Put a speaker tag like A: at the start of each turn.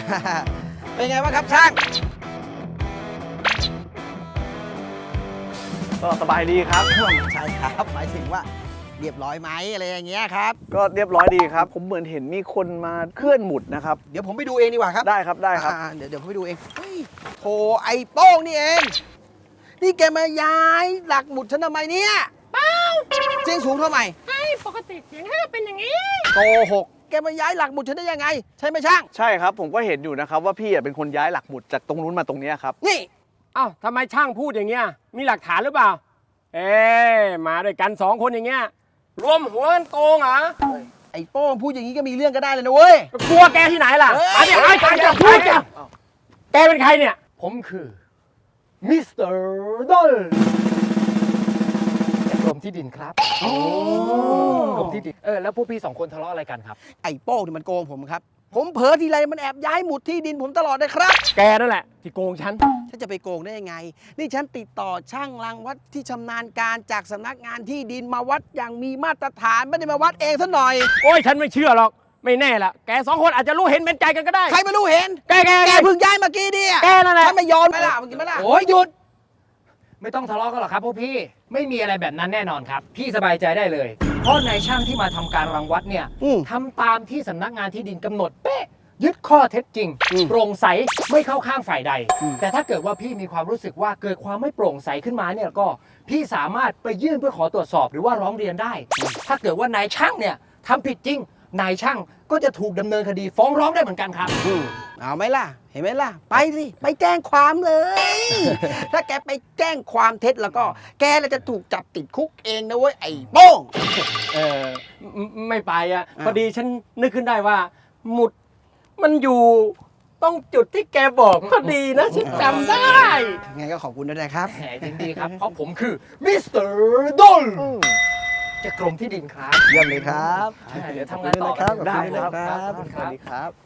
A: เป็นไงบ้างครับช่าง
B: ก็สบายดีครับ
A: ใช่ครับหมายถึงว่าเรียบร้อยไหมอะไรอย่างเงี้ยครับ
B: ก็เรียบร้อยดีครับ ผมเหมือนเห็นมีคนมาเคลื่อนหมุดนะครับ
A: เดี๋ยวผมไปดูเองดีกว่าครับ
B: ได้ครับได้ครับ
A: เดี๋ยวผมไปดูเองเฮ้ยโถไอ้โป้งนี่เองนี่แกมาย้ายหลักหมุดฉันทำไมเนี่ยเปล่าเสียงสูงเท่าไหร่
C: ปกติเสียงให้เป็นอย่างนี้
A: โกหกแกมาย้ายหลักหมุดฉันได้ยังไง ใช่ไหมช่าง
B: ใช่ครับ ผมก็เห็นอยู่นะครับว่าพี่เป็นคนย้ายหลักหมุดจากตรงนู้นมาตรงนี้ครับ
A: นี่
C: เอ้าทำไมช่างพูดอย่างเงี้ย มีหลักฐานหรือเปล่า เอ๊มาด้วยกัน2 คนอย่างเงี้ย รวมหัวกันโกงเหรอ
A: ไอ้โป้งพูดอย่างนี้ก็มีเรื่องก็ได้เลยนะเว้ย
C: กลัวแกที่ไหนล่ะ
A: เฮ้ย
C: มาเนี่ยไอ้การจะพูดเนี่ยแกเป็นใครเนี่ย ผมคือมิสเตอร์ดอลกรมที่ดินครับกรมที่ดินแล้วพวกพี่2 คนทะเลาะอะไรกันครับ
A: ไอ้โป้งนี่มันโกงผมครับ ผมเผลอทีไรมันแอบย้ายหมุดที่ดินผมตลอดเลยครับ
C: แกนั่นแหละที่โกงฉัน
A: ฉันจะไปโกงได้ยังไง นี่ฉันติดต่อช่างรังวัดที่ชำนาญการจากสำนักงานที่ดินมาวัดอย่างมีมาตรฐานไม่ได้มาวัดเองซะหน่อย
C: โอ้ยฉันไม่เชื่อหรอก ไม่แน่ละแก2 คนอาจจะรู้เห็นเป็นใจกันก็ได้
A: ใครไม่รู้เห็น
C: แก
A: แกเพิ่งย้ายเมื่อกี้ดิ
C: แกนั่นแหละ
A: ฉันไม่ยอมไหมล่ะเมื่อกี้ไหมล่ะ
D: โอ้ยหยุด ไม่ต้องทะเลาะกันหรอกครับพวกพี่ไม่มีอะไรแบบนั้นแน่นอนครับ พี่สบายใจได้เลย เพราะนายช่างที่มาทำการรังวัดเนี่ย
A: อืม
D: ทำตามที่สำนักงานที่ดินกำหนดเป๊ะยึดข้อเท็จจริง โปร่งใสไม่เข้าข้างฝ่ายใด แต่ถ้าเกิดว่าพี่มีความรู้สึกว่าเกิดความไม่โปร่งใสขึ้นมาเนี่ยก็พี่สามารถไปยื่นเพื่อขอตรวจสอบหรือว่าร้องเรียนได้ ถ้าเกิดว่านายช่างเนี่ยทำผิดจริงนายช่างก็จะถูกดำเนินคดีฟ้องร้องได้เหมือนกันครับ
A: เอาไหมล่ะ เห็นไหมล่ะ ไปสิไปแจ้งความเลย ถ้าแกไปแจ้งความเท็จแล้วก็ แกจะถูกจับติดคุกเองนะเว้ยไอ้โป้ง
C: ไม่ไปอ่ะ
A: อ้าว
C: พอดีฉันนึกขึ้นได้ว่า หมุดมันอยู่ต้องจุดที่แกบอกพอดีนะฉันจำได้
A: ไงก็ขอบคุณด้วยนะครับ
D: แหมยินดีครับ เพราะผมคือมิสเตอร์ดอลจากกรมที่ดินครับ
A: เยี่ยมเลยครับ
D: เดี๋ยวทำงานต่อ
A: ขอบคุณ
D: ได้
A: ด้วยนะครับ
D: ขอบคุณ
A: ส
D: ครั
A: วัส
D: บ
A: ดีครับ